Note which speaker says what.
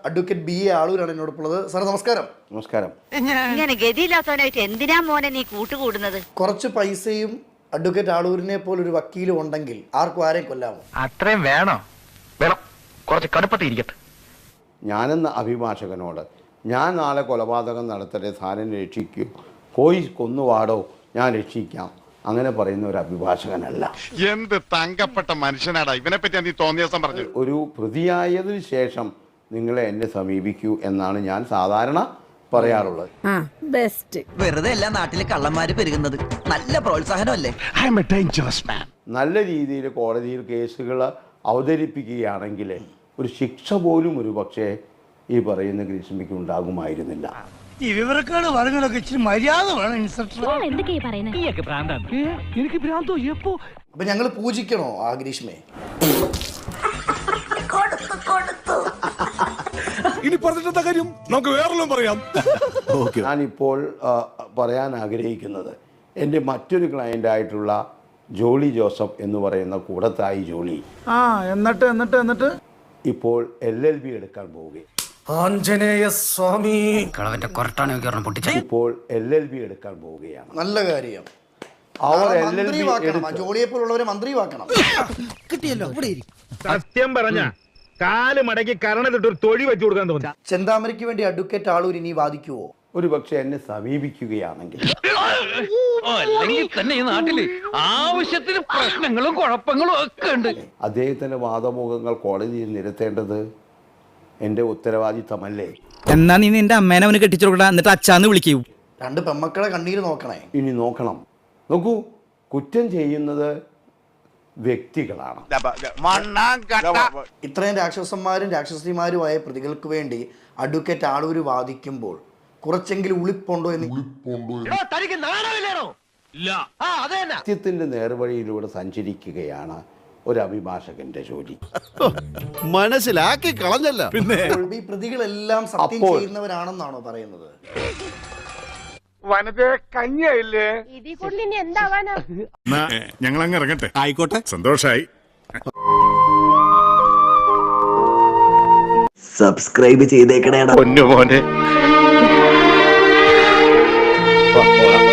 Speaker 1: Advocate BA ആളൂരാണ് എന്നോടൊപ്പുള്ളത്. Sir നമസ്കാരം.
Speaker 2: നമസ്കാരം.
Speaker 3: ഇങ്ങനെ ഗതിയില്ലാത്തവനായിട്ട് എന്തിനാ മോനെ നീ കൂട്ടുകൂടുന്നത്?
Speaker 1: കുറച്ച് പൈസയും അഡ്വക്കേറ്റ് ആളൂരിനെ പോലൊരു വക്കീലും ഉണ്ടെങ്കിൽ ആർക്കും ആരെയും കൊല്ലാമോ?
Speaker 4: അത്രയും വേണോ? വേണം, കുറച്ച് കടുപ്പത്തിരിക്കട്ടെ.
Speaker 2: ഞാനെന്ന അഭിഭാഷകനോട് ഞാൻ നാളെ കൊലപാതകം നടത്തട്ടെ, സാരൻ രക്ഷിക്കൂ, പോയി കൊന്നുവാടോ, ഞാൻ രക്ഷിക്കാം, അങ്ങനെ പറയുന്ന ഒരു അഭിഭാഷകനല്ല.
Speaker 5: എന്ത് തങ്കപ്പെട്ട മനുഷ്യനാടാ ഇവനെ പറ്റി നീ തോന്നിയ ദിവസം പറഞ്ഞു.
Speaker 2: ഒരു പ്രതിയായതിനു ശേഷം നിങ്ങളെ എന്നെ സമീപിക്കൂ എന്നാണ് ഞാൻ സാധാരണ പറയാറുള്ളത്.
Speaker 6: വെറുതെ എല്ലാ നാട്ടിലെ കള്ളന്മാര് പെരുകുന്നത് നല്ല പ്രോത്സാഹനമല്ലേ?
Speaker 2: നല്ല രീതിയിൽ കോടതിയിൽ കേസുകൾ അവതരിപ്പിക്കുകയാണെങ്കിൽ ഒരു ശിക്ഷ പോലും ഒരു പക്ഷേ ഈ പറയുന്ന ഗ്രീഷ്മയ്ക്ക് ഉണ്ടാകുമായിരുന്നില്ല.
Speaker 7: ഈ വിവരക്കാട് പറഞ്ഞതൊക്കെ ഇച്ചിരി മര്യാദ വേണം ഇൻസ്പെക്ടർ.
Speaker 1: അപ്പൊ ഞങ്ങൾ പൂജിക്കണോ ആ ഗ്രീഷ്മയെ?
Speaker 8: ഇനി പറഞ്ഞിട്ട കാര്യം നമുക്ക് വേറെല്ലാം പറയാം.
Speaker 2: ഞാനിപ്പോൾ പറയാൻ ആഗ്രഹിക്കുന്നത് എൻ്റെ മറ്റൊരു ക്ലയൻ്റായിട്ടുള്ള ജോളി ജോസഫ് എന്ന് പറയുന്ന കൂടത്തായി ജോളി
Speaker 7: എന്നിട്ട്
Speaker 2: ഇപ്പോൾ LLB എടുക്കാൻ പോവുകയാണ്. ഇപ്പോൾ LLB എടുക്കാൻ പോവുകയാണ്.
Speaker 1: നല്ല കാര്യം.
Speaker 2: അവർ
Speaker 1: ജോളിയെ പോലുള്ളവരെ മന്ത്രിവാക്കണം.
Speaker 7: കിട്ടിയല്ലോ.
Speaker 4: സത്യം പറഞ്ഞ കാല് മടക്കി കരണത്തിട്ടൊരു തൊഴി വെച്ചു കൊടുക്കാൻ തോന്നി.
Speaker 1: ചെന്താമരയ്ക്ക് വേണ്ടി അഡ്വക്കേറ്റ് ആളൂർ ഇനി വാദിക്കുവോ?
Speaker 2: ഒരു പക്ഷെ എന്നെ സമീപിക്കുകയാണെങ്കിൽ
Speaker 4: അല്ലെങ്കിൽ തന്നെ ഈ നാട്ടില് ആവശ്യത്തിന് പ്രശ്നങ്ങളും കുഴപ്പങ്ങളും ഒക്കെ ഉണ്ട്.
Speaker 2: അദ്ദേഹത്തിന്റെ വാദമുഖങ്ങൾ കോടതിയിൽ നിരത്തേണ്ടത് എൻ്റെ ഉത്തരവാദിത്തമല്ലേ?
Speaker 6: എന്നാ നീ നിന്റെ അമ്മേനെ അവന് കെട്ടിച്ചു കൊടുക്കണ, എന്നിട്ട് അച്ഛാന്ന് വിളിക്കൂ.
Speaker 1: രണ്ട് പെമ്മക്കളെ കണ്ണീര് നോക്കണേ.
Speaker 2: ഇനി നോക്കണം. നോക്കൂ, കുറ്റം ചെയ്യുന്നത് വ്യക്തികളാണ്.
Speaker 1: ഇത്രയും രാക്ഷസന്മാരും രാക്ഷസിമാരുമായ പ്രതികൾക്ക് വേണ്ടി അഡ്വക്കേറ്റ് ആളൂർ വാദിക്കുമ്പോൾ കുറച്ചെങ്കിലും ഉളിപ്പുണ്ടോ എന്ന്
Speaker 2: സത്യത്തിന്റെ നേർവഴിയിലൂടെ സഞ്ചരിക്കുകയാണ് ഒരു അഭിഭാഷകന്റെ ജോലി.
Speaker 8: മനസ്സിലാക്കി കളഞ്ഞല്ല. പിന്നെ
Speaker 1: ഈ പ്രതികളെല്ലാം സത്യം ചെയ്യുന്നവരാണെന്നാണോ പറയുന്നത്?
Speaker 5: ഞങ്ങൾ അങ്ങ് ഇറങ്ങട്ടെ. ആയിക്കോട്ടെ, സന്തോഷായി.
Speaker 6: സബ്സ്ക്രൈബ് ചെയ്തേക്കണേടാ
Speaker 4: പൊന്നു മോനെ.